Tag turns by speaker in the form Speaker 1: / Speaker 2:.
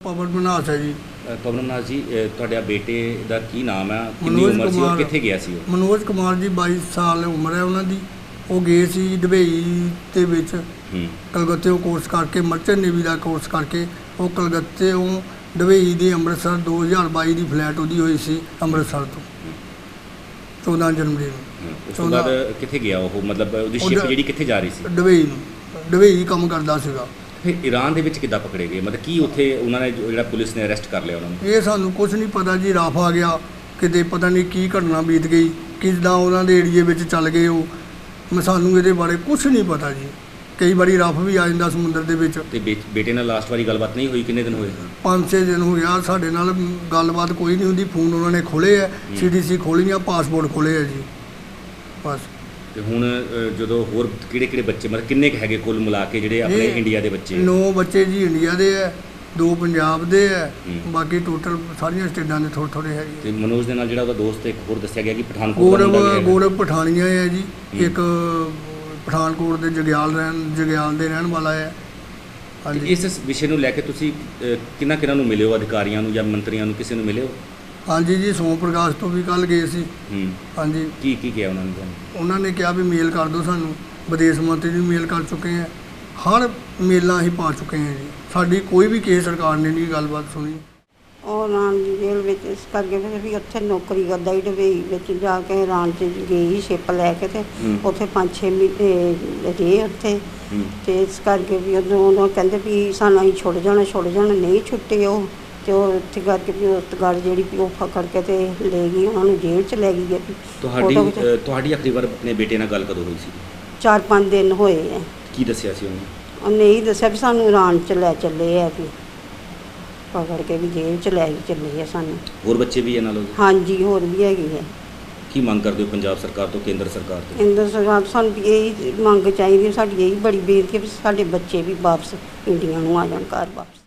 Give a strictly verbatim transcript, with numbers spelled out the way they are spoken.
Speaker 1: पवन मनास है जी।
Speaker 2: पवन मनास जी, ਤੁਹਾਡਾ ਬੇਟੇ ਦਾ ਕੀ ਨਾਮ ਹੈ, ਕਿੰਨੀ
Speaker 1: ਮਨੋਜ
Speaker 2: ਉਮਰ ਸੀ ਔਰ
Speaker 1: ਕੁਮਾਰ।
Speaker 2: ਕਿੱਥੇ ਗਿਆ ਸੀ ਉਹ?
Speaker 1: ਮਨੋਜ ਕੁਮਾਰ ਜੀ ਬਾਈ ਸਾਲ ਉਮਰ ਹੈ ਉਹਨਾਂ ਦੀ। ਉਹ ਗਏ ਸੀ ਦੁਬਈ ਦੇ ਵਿੱਚ
Speaker 2: ਹੂੰ
Speaker 1: ਕਲਕੱਤੇੋਂ ਕੋਰਸ ਕਰਕੇ, ਮਰਚੈਂਟ ਨੇਵੀ ਦਾ ਕੋਰਸ ਕਰਕੇ ਉਹ ਕਲਕੱਤੇੋਂ ਦੁਬਈ ਦੀ ਅੰਮ੍ਰਿਤਸਰ ਦੋ ਹਜ਼ਾਰ ਬਾਈ ਦੀ ਫਲੈਟ ਉਹਦੀ ਹੋਈ ਸੀ ਅੰਮ੍ਰਿਤਸਰ ਤੋਂ ਚੌਦਾਂ ਜਨਵਰੀ ਨੂੰ।
Speaker 2: ਉਸ ਤੋਂ ਬਾਅਦ ਕਿੱਥੇ ਗਿਆ ਉਹ, ਮਤਲਬ ਉਹਦੀ ਸ਼ਿਪ
Speaker 1: ਉਹਦਾ-
Speaker 2: ਜਿਹੜੀ ਕਿੱਥੇ ਜਾ ਰਹੀ ਸੀ?
Speaker 1: ਦੁਬਈ ਨੂੰ, ਦੁਬਈ ਕੰਮ ਕਰਦਾ ਸੀਗਾ।
Speaker 2: ਫਿਰ ਈਰਾਨ ਦੇ ਵਿੱਚ ਕਿੱਦਾਂ ਪਕੜੇ ਗਏ, ਮਤਲਬ ਕੀ ਉੱਥੇ ਉਹਨਾਂ ਨੇ ਜੋ- ਜਿਹੜਾ ਪੁਲਿਸ ਨੇ ਅਰੈਸਟ ਕਰ ਲਿਆ ਉਹਨਾਂ ਨੂੰ?
Speaker 1: ਇਹ ਸਾਨੂੰ ਕੁਝ ਨਹੀਂ ਪਤਾ ਜੀ। ਰਫ ਆ ਗਿਆ ਕਿਤੇ, ਪਤਾ ਨਹੀਂ ਕੀ ਘਟਨਾ ਬੀਤ ਗਈ, ਕਿੱਦਾਂ ਉਹਨਾਂ ਦੇ ਏਰੀਏ ਵਿੱਚ ਚੱਲ ਗਏ ਉਹ। ਮੈਂ ਸਾਨੂੰ ਇਹਦੇ ਬਾਰੇ ਕੁਝ ਨਹੀਂ ਪਤਾ ਜੀ। ਕਈ ਵਾਰੀ ਰਫ ਵੀ ਆ ਜਾਂਦਾ ਸਮੁੰਦਰ ਦੇ ਵਿੱਚ।
Speaker 2: ਤੇ ਬੇ- ਬੇਟੇ ਨਾਲ ਲਾਸਟ ਵਾਰੀ ਗੱਲਬਾਤ ਨਹੀਂ ਹੋਈ? ਕਿੰਨੇ ਦਿਨ ਹੋਏ?
Speaker 1: ਪੰਜ ਛੇ ਦਿਨ ਹੋ ਗਿਆ ਸਾਡੇ ਨਾਲ ਗੱਲਬਾਤ ਕੋਈ ਨਹੀਂ ਹੁੰਦੀ। ਫੋਨ ਉਹਨਾਂ ਨੇ ਖੋਲ੍ਹੇ ਹੈ, ਸੀ ਡੀ ਸੀ ਖੋਲ੍ਹੀਆਂ, ਪਾਸਪੋਰਟ ਖੋਲ੍ਹੇ ਹੈ ਜੀ ਬਸ।
Speaker 2: ਤੇ ਹੁਣ ਅ, ਜਦੋਂ ਹੋਰ ਕਿਹੜੇ ਕਿਹੜੇ ਬੱਚੇ, ਮਤਲਬ ਕਿੰਨੇ ਕੁ ਹੈਗੇ ਕੁੱਲ ਮਿਲਾ ਕੇ ਜਿਹੜੇ ਆਪਣੇ
Speaker 1: ਇਹ
Speaker 2: ਇੰਡੀਆ ਦੇ ਬੱਚੇ?
Speaker 1: ਨੌ ਬੱਚੇ ਜੀ ਇੰਡੀਆ ਦੇ ਹੈ, ਦੋ ਪੰਜਾਬ ਦੇ ਹੈ,
Speaker 2: ਹੂੰ।
Speaker 1: ਬਾਕੀ ਟੋਟਲ ਸਾਰੀਆਂ ਸਟੇਟਾਂ ਦੇ ਥੋੜ੍ਹੇ ਥੋੜ੍ਹੇ ਹੈਗੇ।
Speaker 2: ਤੇ ਮਨੋਜ ਦੇ ਨਾਲ ਜਿਹੜਾ ਉਹਦਾ ਦੋਸਤ ਇੱਕ ਹੋਰ ਦੱਸਿਆ ਗਿਆ ਕਿ ਪਠਾਨਕੋਟ ਦਾ ਮੁੰਡਾ ਵੀ
Speaker 1: ਗੌਰਵ
Speaker 2: ਹੈਗਾ।
Speaker 1: ਗੌਰਵ ਪਠਾਨੀਆ ਹੈ ਜੀ।
Speaker 2: ਹੂੰ।
Speaker 1: ਇੱਕ ਪਠਾਨਕੋਟ ਦੇ ਜਗਿਆਲ ਰਹਿਣ ਜਗਿਆਲ ਦੇ ਰਹਿਣ ਵਾਲਾ ਹੈ।
Speaker 2: ਤੇ
Speaker 1: ਹਾਂਜੀ
Speaker 2: ਇਸ ਵਿਸ਼ੇ ਨੂੰ ਲੈ ਕੇ ਤੁਸੀਂ ਅ, ਕਿਹਨਾਂ ਕਿਹਨਾਂ ਨੂੰ ਮਿਲੇ ਹੋ, ਅਧਿਕਾਰੀਆਂ ਨੂੰ ਜਾਂ ਮੰਤਰੀਆਂ ਨੂੰ, ਕਿਸੇ ਨੂੰ ਮਿਲੇ ਹੋ?
Speaker 1: ਹਾਂਜੀ ਜੀ, ਸੋਮ ਪ੍ਰਕਾਸ਼ ਤੋਂ ਵੀ ਕੱਲ੍ਹ ਗਏ ਸੀ।
Speaker 2: ਹੂੰ
Speaker 1: ਹਾਂਜੀ,
Speaker 2: ਕੀ ਕੀ ਕਿਹਾ ਉਹਨਾਂ ਨੇ ਤੁਹਾਨੂੰ?
Speaker 1: ਉਹਨਾਂ ਨੇ ਕਿਹਾ ਵੀ ਮੇਲ ਕਰ ਦਿਓ ਸਾਨੂੰ। ਵਿਦੇਸ਼ ਮੰਤਰੀ ਨੂੰ ਮੇਲ ਕਰ ਚੁੱਕੇ ਹਾਂ, ਹਰ ਮੇਲਾਂ ਅਸੀਂ ਪਾ ਚੁੱਕੇ ਹਾਂ ਜੀ। ਸਾਡੀ ਕੋਈ ਵੀ ਕਿਸੇ ਸਰਕਾਰ ਨੇ ਨਹੀਂ ਗੱਲਬਾਤ ਸੁਣੀ।
Speaker 3: ਉਹ ਇਰਾਨ ਦੀ ਜੇਲ੍ਹ ਵਿੱਚ ਇਸ ਕਰਕੇ ਫਿਰ ਵੀ ਉੱਥੇ ਨੌਕਰੀ ਕਰਦਾ ਹੀ ਦੁਬਈ ਵਿੱਚ ਜਾ ਕੇ ਇਰਾਨ 'ਚ ਗਈ ਸ਼ਿਪ ਲੈ ਕੇ ਤੇ
Speaker 2: ਹੂੰ।
Speaker 3: ਉੱਥੇ ਪੰਜ ਛੇ ਮਹੀਨੇ ਰਹੇ ਉੱਥੇ।
Speaker 2: ਹੂੰ
Speaker 3: ਤੇ ਇਸ ਕਰਕੇ ਵੀ ਉਦੋਂ ਉਦੋਂ ਕਹਿੰਦੇ ਵੀ ਸਾਨੂੰ ਅਸੀਂ ਛੁੱਟ ਜਾਣਾ ਛੁੱਟ ਜਾਣਾ ਨਹੀਂ ਛੁੱਟੇ ਉਹ। ਤੇ ਉਹ ਇੱਥੇ ਕਰਕੇ ਵੀ ਉਸ ਗੱਲ ਜਿਹੜੀ ਵੀ ਉਹ ਫਕੜ ਕੇ ਤੇ ਲੈ ਗਈ, ਉਹਨਾਂ ਨੂੰ ਜੇਲ੍ਹ 'ਚ ਲੈ ਗਈ ਹੈ ਵੀ
Speaker 2: ਤੁਹਾਡੀ
Speaker 3: ਫੋਟੋ ਖਿਚਾ-
Speaker 2: ਅ, ਤੁਹਾਡੀ ਆਖਰੀ ਵਾਰ ਆਪਣੇ ਬੇਟੇ ਨਾਲ ਗੱਲ ਕਦੋਂ ਹੋਈ ਸੀ?
Speaker 3: ਚਾਰ ਪੰਜ ਦਿਨ ਹੋਏ ਆ।
Speaker 2: ਕੀ ਦੱਸਿਆ ਸੀ ਉਹਨੇ?
Speaker 3: ਉਹਨੇ ਇਹੀ ਦੱਸਿਆ ਵੀ ਸਾਨੂੰ ਇਰਾਨ 'ਚ ਲੈ ਚੱਲੇ ਆ ਵੀ ਪਕੜ ਕੇ ਵੀ ਜੇਲ੍ਹ 'ਚ ਲੈ ਕੇ ਚੱਲੇ ਆ ਸਾਨੂੰ।
Speaker 2: ਹੋਰ ਬੱਚੇ ਵੀ ਇਹ ਨਾਲ ਉਹਦੇ?
Speaker 3: ਹਾਂਜੀ ਹੋਰ ਵੀ ਹੈਗੀ ਹੈ।
Speaker 2: ਕੀ ਮੰਗ ਕਰਦੇ ਹੋ ਪੰਜਾਬ ਸਰਕਾਰ ਤੋਂ, ਕੇਂਦਰ ਸਰਕਾਰ ਤੋਂ?
Speaker 3: ਕੇਂਦਰ ਸਰਕਾਰ ਤੋਂ ਸਾਨੂੰ ਵੀ ਇਹੀ ਮੰਗ ਚਾਹੀਦੀ ਹੈ, ਸਾਡੀ ਇਹੀ ਬੜੀ ਬੇਨਤੀ ਹੈ ਵੀ ਸਾਡੇ ਬੱਚੇ ਵੀ ਵਾਪਸ ਇੰਡੀਆ ਨੂੰ ਆ ਜਾਣ, ਘਰ ਵਾਪਸ।